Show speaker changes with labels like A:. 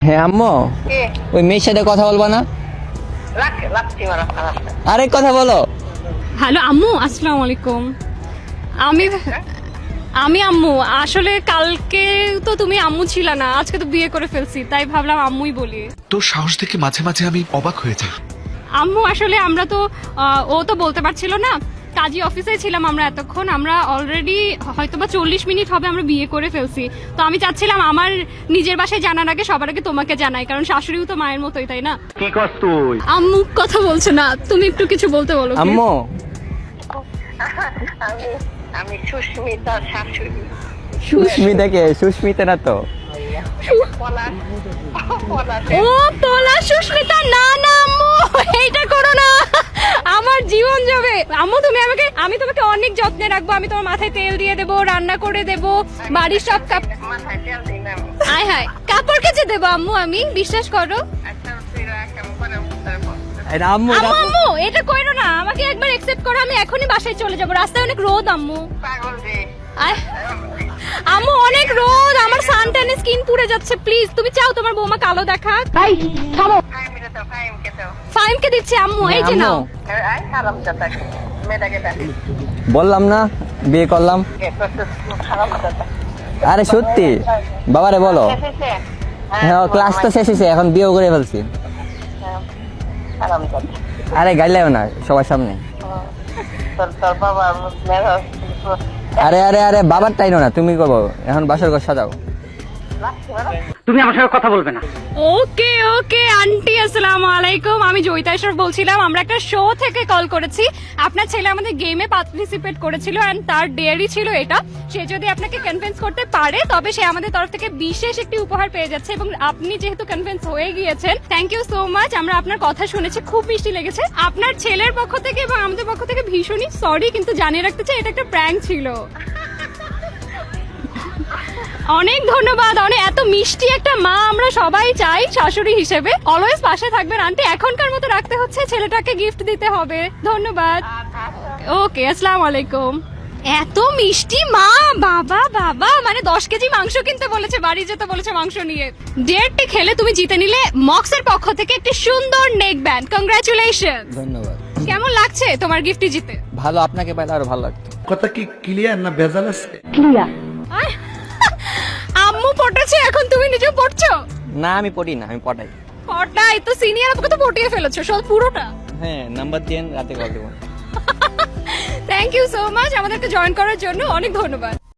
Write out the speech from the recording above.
A: হ্যাঁ আম্মু,
B: কে?
A: ওই মেয়ের সাথে কথা বলবা না?
B: রাখছি মারা খারাপ না।
A: আরেক কথা বলো।
C: হ্যালো আম্মু, আসসালামু আলাইকুম। আমি আম্মু, আসলে কালকে তো তুমি আম্মু ছিল না, আজকে তো বিয়ে করে ফেলছি, তাই ভাবলাম আম্মুই বলি।
D: তোর সাহস দেখে মাঝে মাঝে আমি অবাক হয়ে যাই।
C: আম্মু আসলে আমরা তো ও তো বলতে পারছিল না, কাজী অফিসে ছিলাম আমরা এতক্ষণ, আমরা অলরেডি হয়তোবা 40 মিনিট হবে আমরা বিয়ে করে ফেলছি। তো আমি চাচ্ছিলাম আমার নিজের বাসায় জানার আগে সবার আগে তোমাকে জানাই, কারণ শাশুড়িও তো মায়ের মতোই, তাই না?
E: কি করছ তুই?
C: আম্মু কথা বলছে না, তুমি একটু কিছু বলতে বলো please।
A: আম্মু,
B: আমি আমি সুস্মিতার শাশুড়ি।
A: সুস্মিতাকে? সুস্মিতা না তো।
B: পলাশ পলাশ
C: ও তোলা সুস্মিতা, না না আম্মু, এইটা করো না, আমার জীবন যাবে। আম্মু আমি তোমাকে অনেক যত্নে রাখবো, আমি তোমার মাথায় তেল দিয়ে দেবো, রান্না করে দেবো, বাড়ির সব
B: মাথায় তেল দিন আমি।
C: আয় হায় কাপড় কেচে দেবো আম্মু, আমি বিশ্বাস করো।
B: আচ্ছা তুই রাখ, আমি পরে তারপর
A: এটা আম্মু
C: আম্মু আম্মু এটা কইরো না, আমাকে একবার একসেপ্ট করো, আমি এখনই বাসায় চলে যাবো, রাস্তায় অনেক রোদ আম্মু।
B: পাগল রে।
C: আয় আম্মু, অনেক রোদ, আমার সানট্যানে স্কিন পুড়ে যাচ্ছে, প্লিজ তুমি চাও তোমার বৌমা কালো দেখাক?
B: ফাইমকে তো ফাইমকে তো
C: ফাইমকে দিচ্ছি আম্মু, এই যে নাও।
B: আই খারাপ যাতা মেয়েটাকে ডাকি
A: বললাম না বিয়ে করলাম।
B: খারাপ যাতা।
A: আরে সত্যি বাবারে বলো। হ্যাঁ ক্লাস তো শেষ হয়েছে, এখন বিয়ে করে ফেলছি।
B: খারাপ যাতা।
A: আরে গাইলেও না সবার সামনে।
B: তোর বাবা মেয়ের
A: আরে আরে আরে বাবার টাইনো না, তুমি করবো এখন বাসর ঘর সাজাও।
B: রাখছি মারা।
E: তুমি আমার সাথে কথা বলবে না।
C: ওকে ওকে আন্টি, আসসালামু আলাইকুম, আমি জয়িতা ইশরাফ বলছিলাম, আমরা একটা শো থেকে কল করেছি, আপনার ছেলে আমাদের গেমে পার্টিসিপেট করেছিল এন্ড তার ডেয়ারি ছিল এটা, সে যদি আপনাকে কনভিন্স করতে পারে তবে সে আমাদের তরফ থেকে বিশেষ একটি উপহার পেয়ে যাচ্ছে, এবং আপনি যেহেতু কনভিন্স হয়ে গিয়েছেন, থ্যাংক ইউ সো মাচ, আমরা আপনার কথা শুনেছি, খুব মিষ্টি লেগেছে। আপনার ছেলের পক্ষ থেকে এবং আমাদের পক্ষ থেকে ভীষণই সরি, কিন্তু জানিয়ে রাখতে চাই এটা একটা প্র্যাঙ্ক ছিল। অনেক ধন্যবাদ, এত মিষ্টি একটা মা আমরা সবাই চাই শাশুড়ি হিসেবে, অলওয়েজ পাশে থাকবেন আন্টি, এখনকার মতো রাখতে হচ্ছে, ছেলেটাকে গিফট দিতে হবে, ধন্যবাদ। ওকে আসসালামু আলাইকুম। এত মিষ্টি মা, বাবা বাবা, মানে 10 কেজি মাংস কিনতে বলেছে, বাড়ি যেতে বলেছে মাংস নিয়ে। ডেটটি খেলে তুমি জিতে নিলে মক্সের পক্ষ থেকে একটি সুন্দর নেক ব্যান্ড, কংগ্রাচুলেশন।
A: ধন্যবাদ।
C: কেমন লাগছে তোমার গিফটটি জিতে?
A: ভালো, আপনাকে পাইলে আরো ভালো লাগতো।
F: কথা কি ক্লিয়ার না ভেজাল আছে?
C: আয়, আম্মু পটেছে, এখন তুমি নিজেও পড়ছো?
A: না আমি পড়ি না, আমি পড়াই।
C: পটাই তো, সিনিয়র আপুকে তো পটিয়ে ফেলেছো সব পুরোটা।
A: হ্যাঁ নাম্বার দিয়ে রাতে কল দেবো।
C: থ্যাংক ইউ সো মাচ আমাদেরকে জয়েন করার জন্য, অনেক ধন্যবাদ।